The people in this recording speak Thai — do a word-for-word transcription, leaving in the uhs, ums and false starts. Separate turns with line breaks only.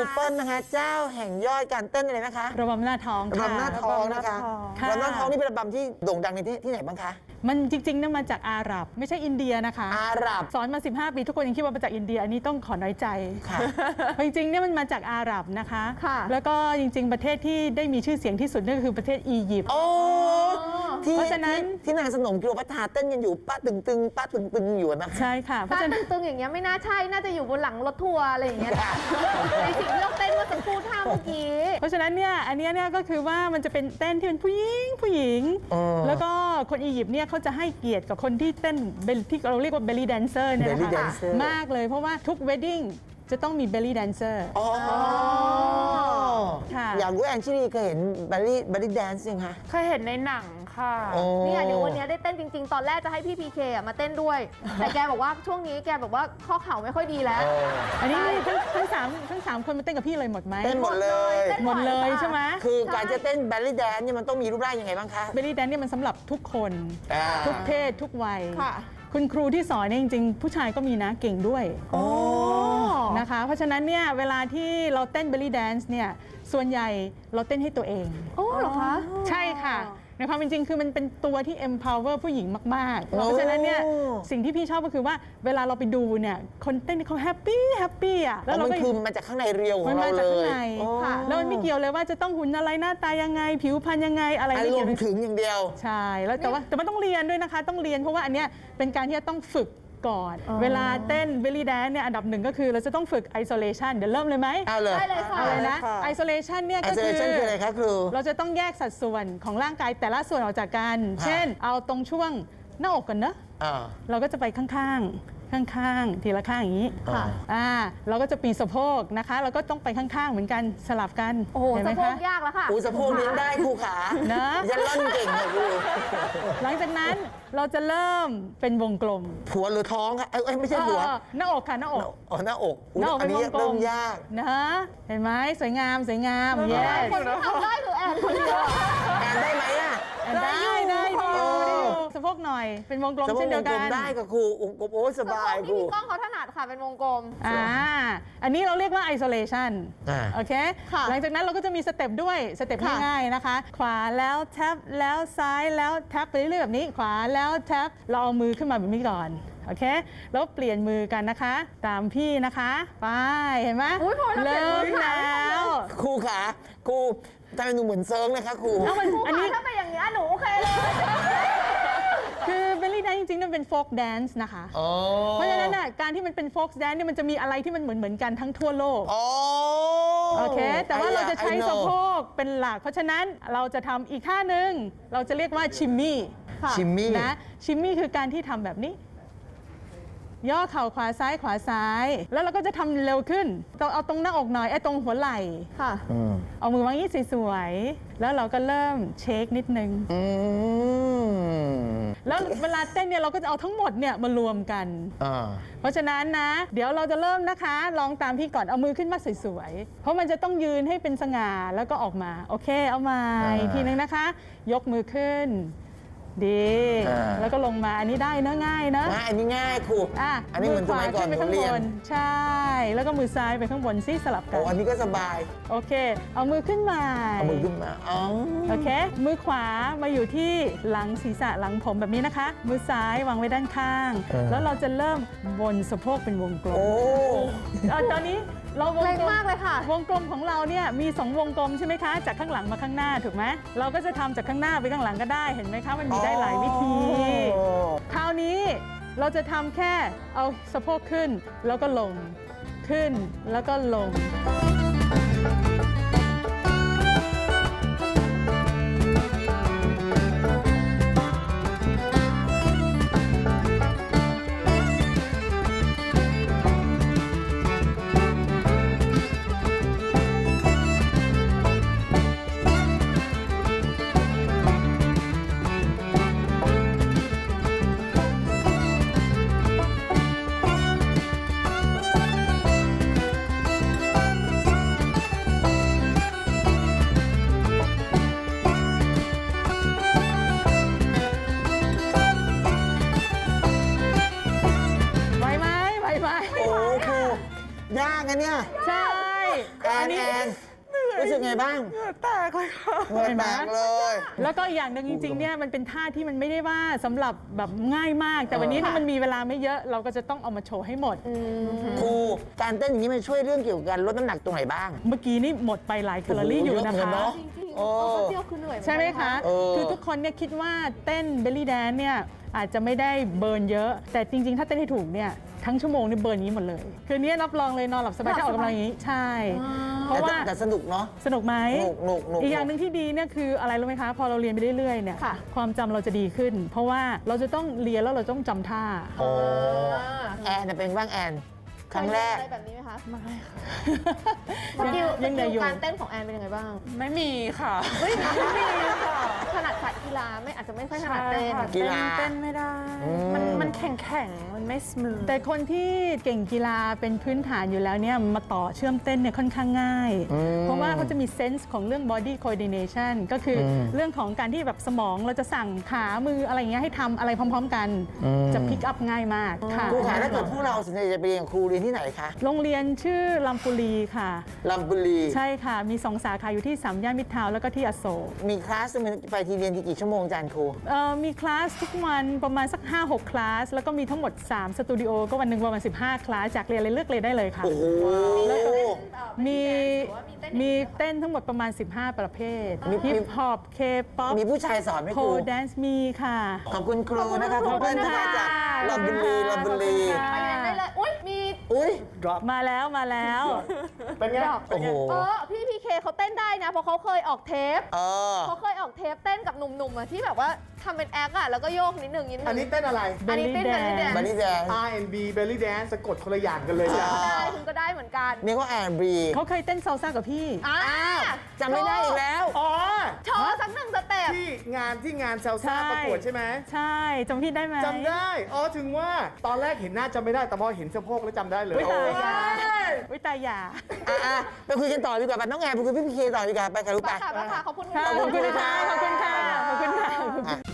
เปิ้ลนะคะเจ้าแห่งยอดการเต้นอะไรนะคะ
ระบำหน้าท้อง
ระบำหน้าท้องนะคะระบำหน้าท้องนี่เป็นระบำที่โด่งดังในที่ที่ไหนบ้างคะ
มันจริงๆนั่นมาจากอาหรับไม่ใช่อินเดียนะคะ
อาหรับ
สอนมาสิบห้าปีทุกคนยังคิดว่ามาจากอินเดียอันนี้ต้องขอน้อยใจจริงๆเนี่ยมันมาจากอาหรับนะคะแล้วก็จริงๆประเทศที่ได้มีชื่อเสียงที่สุดนั่นก็คือประเทศอียิปต์
เพราะฉะนั้นที่นางสนมกิโลพัทราเต้นกันอยู่ป้าตึงตึงป้าตึงตึงอยู่นะคะ
ใช่ค่ะ
ป้าตึงตึงอย่างเงี้ยไม่น่าใช่น่าจะอยู่บนหลังรถทัวร์อะไรอย่างเงี้ยในสิ่งที่เราเต้นเมื่อสักครู่ท่าเมื่อกี้
เพราะฉะนั้นเนี่ยอันนี้เนี่ยก็คือว่ามันจะเป็นเต้นที่เป็นผู้หญิงผู้หญิงแล้วก็คนอียิปต์เนี่ยเขาจะให้เกียรติกับคนที่เต้นที่เราเรียกว่า belly dancer เนี่ยนะคะมากเลยเพราะว่าทุก wedding จะต้องมี belly dancer
อยากรู้แอนชิลีเคยเห็น belly belly dance ยังคะ
เคยเห็นในหนังค่ะ
นี่เดี๋ยววันนี้ได้เต้นจริงๆตอนแรกจะให้พี่พีเคมาเต้นด้วยแต่แกบอกว่าช่วงนี้แกแบบว่าข้อเข่าไม่ค่อยดีแล้ว
อันนี้ทั้งสามทั้งสามคนมาเต้นกับพี่เลยหมดไหม
เต้นหมดเลย
หมดเลยใช่ไหม
คือการจะเต้น belly dance เนี่ยมันต้องมีรูปร่างยังไงบ้างคะ
belly dance เนี่ยมันสำหรับทุกคนทุกเพศทุกวัยคุณครูที่สอนเนี่ยจริงๆผู้ชายก็มีนะเก่งด้วยนะคะเพราะฉะนั้นเนี่ยเวลาที่เราเต้น belly dance เนี่ยส่วนใหญ่เราเต้นให้ตัวเอง
โอ้เหรอคะ
ใช่ค่ะในความเป็นจริงคือมันเป็นตัวที่ empower ผู้หญิงมากๆเพราะฉะนั้นเนี่ยสิ่งที่พี่ชอบก็คือว่าเวลาเราไปดูเนี่ยคนเต้นเขาแฮปปี้แฮปปี้อ่ะ
แล้วมันคือมาจากข้างในเรียวของเราเลย
แล้วมันไม่เกี่ยวเลยว่าจะต้องหุ่นอะไรหน้าตายังไงผิวพรรณยังไงอะไรไม่
เกี่ยวถึงอย่างเดียว
ใช่แล้วแต่ว่าแต่มันต้องเรียนด้วยนะคะต้องเรียนเพราะว่าอันเนี้ยเป็นการที่จะต้องฝึกก่อนเวลาเต้น belly dance เนี่ยอันดับหนึ่งก็คือเราจะต้องฝึก isolation เดี๋ยวเริ่มเลยไหม
เอาเลย
ได้เลยค่ะ
เอาเลยนะ isolation เนี่ยก็คือ
อะไรคะครู
เราจะต้องแยกสัดส่วนของร่างกายแต่ละส่วนออกจากกันเช่นเอาตรงช่วงหน้าอกกันเนอะเราก็จะไปข้างๆข้างๆทีละข้างอย่างนี้ค่ะอ่าเราก็จะปีนสะโพกนะคะเราก็ต้องไปข้างๆเหมือนกันสลับกัน
โอ้โหสะโพกยากแล้วค่ะ
โอ้สะโพกนี้ได้ครูขา
นะ
ยันล่อนเก่งค่ะครู
หลังจากนั้นเราจะเริ่มเป็นวงกลม
หัวหรือท้องคะเอ้ยไม่ใช่หัว
หน้าอกค่ะหน้าอก
อ๋อหน้าอก
หน้าอกเป็นวงกลม
ยาก
นะเห็นไหมสวยงามสวยงามเย้
คนที่ทำได้คือแอนคนเดียว
แอนได้ไหมอ่ะ
ได้ได้ดูสะโพกหน่อยเป็นวงกลมเช่นเดียวกัน
ได้กับครูวงกลมโอ้สบาย
ครูพี่ก้องเขาถนัดค่ะเป็นวงกลม
อ่าอันนี้เราเรียกว่า isolation โอเคหลังจากนั้นเราก็จะมีสเต็ปด้วยสเต็ปง่ายๆนะคะขวาแล้วแท็บแล้วซ้ายแล้วแท็บไปเรื่อยๆแบบนี้ขวาแล้วแท็บเราเอามือขึ้นมาแบบนี้ก่อนโอเคแล้วเปลี่ยนมือกันนะคะตามพี่นะคะไปเห็นไหม
เริ่
มแล้ว
ครูขาครูทำไมหนูเหมือนเซิร์งเลยคะครู
อันนี้ถ้าเป็นอย่างนี้หนูโอเคเลย
คือเบลลี่แดนซ์จริงๆมันเป็นโฟล์กแดนซ์นะคะเพราะฉะนั้นการที่มันเป็นโฟล์กแดนซ์เนี่ยมันจะมีอะไรที่มันเหมือนเหมือนกันทั้งทั่วโลกโอเคแต่ว่าเราจะใช้สะโพกเป็นหลักเพราะฉะนั้นเราจะทำอีกท่าหนึ่งเราจะเรียกว่าชิมมี่
ชิมมี่
นะชิมมี่คือการที่ทำแบบนี้ย่อเข่าขวาซ้ายขวาซ้ายแล้วเราก็จะทำเร็วขึ้นต้องเอาตรงหน้าอกหน่อยไอ้ตรงหัวไหล่
ค่ะ
เอามือวางยี่สวยๆแล้วเราก็เริ่มเช็คนิดนึงแล้วเวลาเต้นเนี่ยเราก็จะเอาทั้งหมดเนี่ยมารวมกันเพราะฉะนั้นนะเดี๋ยวเราจะเริ่มนะคะลองตามพี่ก่อนเอามือขึ้นมาสวยๆเพราะมันจะต้องยืนให้เป็นสง่าแล้วก็ออกมาโอเคเอามาอีกทีนึงนะคะยกมือขึ้นดีแล้วก็ลงมาอันนี้ได้เนอะง่ายเนอะ
อันนี้ง่ายครู
อ่ะ
อันนี้เหมือนสมัยก่อน
ผมเรียนใช่แล้วก็มือซ้ายไปข้างบนซิสลับกัน
โอ้อันนี้ก็สบาย
โอเคเอามือขึ้นมา
เอามือขึ้นมาอ๋อ
โอเคมือขวามาอยู่ที่หลังศีรษะหลังผมแบบนี้นะคะมือซ้ายวางไว้ด้านข้างแล้วเราจะเริ่มบนสะโพกเป็นวงกลมโอ้ตอนนี้เราวงกลม
มากเลยค่ะ
วงกลมของเราเนี่ยมีสองวงกลมใช่ไหมคะจากข้างหลังมาข้างหน้าถูกไหมเราก็จะทำจากข้างหน้าไปข้างหลังก็ได้เห็นไหมคะมันมีได้หลายวิธีคราวนี้เราจะทำแค่เอาสะโพกขึ้นแล้วก็ลงขึ้นแล้วก็ลง
นรู้สึกไงบ้าง
แตกเลยค่ะ
เหงื่อแตกเลย
แล้วก็อีกอย่างหนึ่งจริงๆเนี่ยมันเป็นท่าที่มันไม่ได้ว่าสำหรับแบบง่ายมาก แต่วันนี้เนี่ยมันมีเวลาไม่เยอะเราก็จะต้องเอามาโชว์ให้หมด
ครูการเต้นอย่างนี้มันช่วยเรื่องเกี่ยวกับการลดน้ำหนักตรงไหนบ้าง
เมื่อกี้นี่หมดไปหลายแคลอรี่อยู่นะ
โอ้โหเยอะเหมือนกัน
คะ
เนอะ
จริงๆ
โอ้
ตัวเดียวคือเหนื่อย
ใช่ไหมคะ
เออ
คือทุกคนเนี่ยคิดว่าเต้นเบลลี่แดนเนี่ยอาจจะไม่ได้เบิร์นเยอะ แต่จริงๆ ถ้าเต้นให้ถูกเนี่ยทั้งชั่วโมงนี่เบิร์นนี้หมดเลย คือเนี้ยรับรองเลยนอนหลับสบายถ้าออกกำลังอย่างนี้ใช่ เพราะว่า
แต่สนุกเนาะ
สนุกไหม
สนุกสนุกสนุก
อีกอย่างหนึ่งที่ดีเนี่ยคืออะไรรู้ไหมคะ พอเราเรียนไปเรื่อยๆเนี่ย
ค่ะ
ความจำเราจะดีขึ้น เพราะว่าเราจะต้องเรียนแล้วเราต้องจำท่า
โอ้แอนน่ะเป็นบ้างแอน ครั้งแรก
เคยเรียนอะไรแบบนี้ไหมคะ
ไม่ค่ะ
สกิลส
ยัง
กิ
เด็
ล
กอยู่
การเต้นของแอนเป็นยังไงบ้าง
ไม่มีค่ะ ไม่มีค่ะ
ถนัดสายกีฬาไม่อาจจะไม่ค่อยถนัดเต้น
ค่ะ
กีฬา
เต้นไม่ได้
อืม
มันมันแข็งแข็งๆมันไม่สมูท
แต่คนที่เก่งกีฬาเป็นพื้นฐานอยู่แล้วเนี่ยมาต่อเชื่อมเต้นเนี่ยค่อนข้างง่าย เพราะว่าเขาจะมีเซนส์ของเรื่อง body coordination ก็คืออ
ม
เรื่องของการที่แบบสมองเราจะสั่งขามืออะไรอย่างเงี้ยให้ทำอะไรพร้อม ๆ กัน
อืม
จะพิกอัพง่ายมากค่ะ
ครูขาถ้าเกิดพวกเราสนใจจะไปเรียนครูเรียนที่ไหนคะ
โรงเรียนชื่อลำปุรีค่ะ
ลำบุรี
ใช่ค่ะ มีสองสาขาอยู่ที่สามย่านมิตรทาวน์แล้วก็ที่อโศก
มีคลาสไปทีเรียนกี่ชั่วโมงจานครู
เอ่อมีคลาสทุกวันประมาณสัก ห้าหก คลาส แล้วก็มีทั้งหมด สาม สตูดิโอก็วันหนึ่งประมาณ สิบห้า คลาส จากเรียนอะไรเลือกเรียนได้เลยค่ะ
โอ้โห
มีมีเต้นทั้งหมดประมาณ สิบห้า ประเภท
มี
ฮิปฮอปเคป๊อป
มีผู้ชายสอนไหม
โพ
ครู
แดนซ์มีค่ะ
ขอบคุณครูนะคะ
ข
คุ
อ
ณ
บคุ
เพื่อน
ณ
ที่
ค่ะ
มาจากลำบุรีลำบุรี
ไปเรียนได้เลย อุ้ยมี
อุ้ย
มาแล้วมาแล้ว
เป็นไง โอ้โห
เออพี่พีเคเขาเต้นได้นะ เพราะเขาเคยออกเทป
เออ
เขาเคยออกเทปเต้นกับหนุ่มๆอะที่แบบว่าทำเป็นแอคอะแล้วก็โยกนิดหนึ่งนิดหนึ่ง
อันนี้เต้นอะไร
อันนี้เต้น
Belly
แบบนี้แดน
บันนี่แดน
อาร์ แอนด์ บี Belly Dance สะกดคนละอย่างกันเลยจ้ะ
ได้คุณก็ได้เหมือนกัน
มีก็แอนบรี
เขาเคยเต้นซาลซ่ากับพี่
อ่า
จำไม่ได้อีกแล้ว
อ๋อ
โชว์สักหนึ่งสเต็ป
ที่งานที่งานเซลซ่า
ใช่
ประกวดใช่ไหม
ใช่จำพี่ได้ไหม
จำได้ อ๋อ ถึงว่าตอนแรกเห็นหน้าจำไม่ได้ แต่พอเห็นสะโพกแล้วจำได้เลย
วิตาย
โอ้
ยาวิตายยา
อ่ะอ่ะไปคุยกันต่อดีกว่าไปน้องแอนไปคุยพี่พีเคต่อดีกว่าไปค่ะลูก
ไป
ไป
ค่ะไปค่ะขอบคุณ
ค่ะ
ค่ะ
ขอบคุณค่ะ ขอบคุณค่ะ ขอบคุณค่ะ
อ่ะ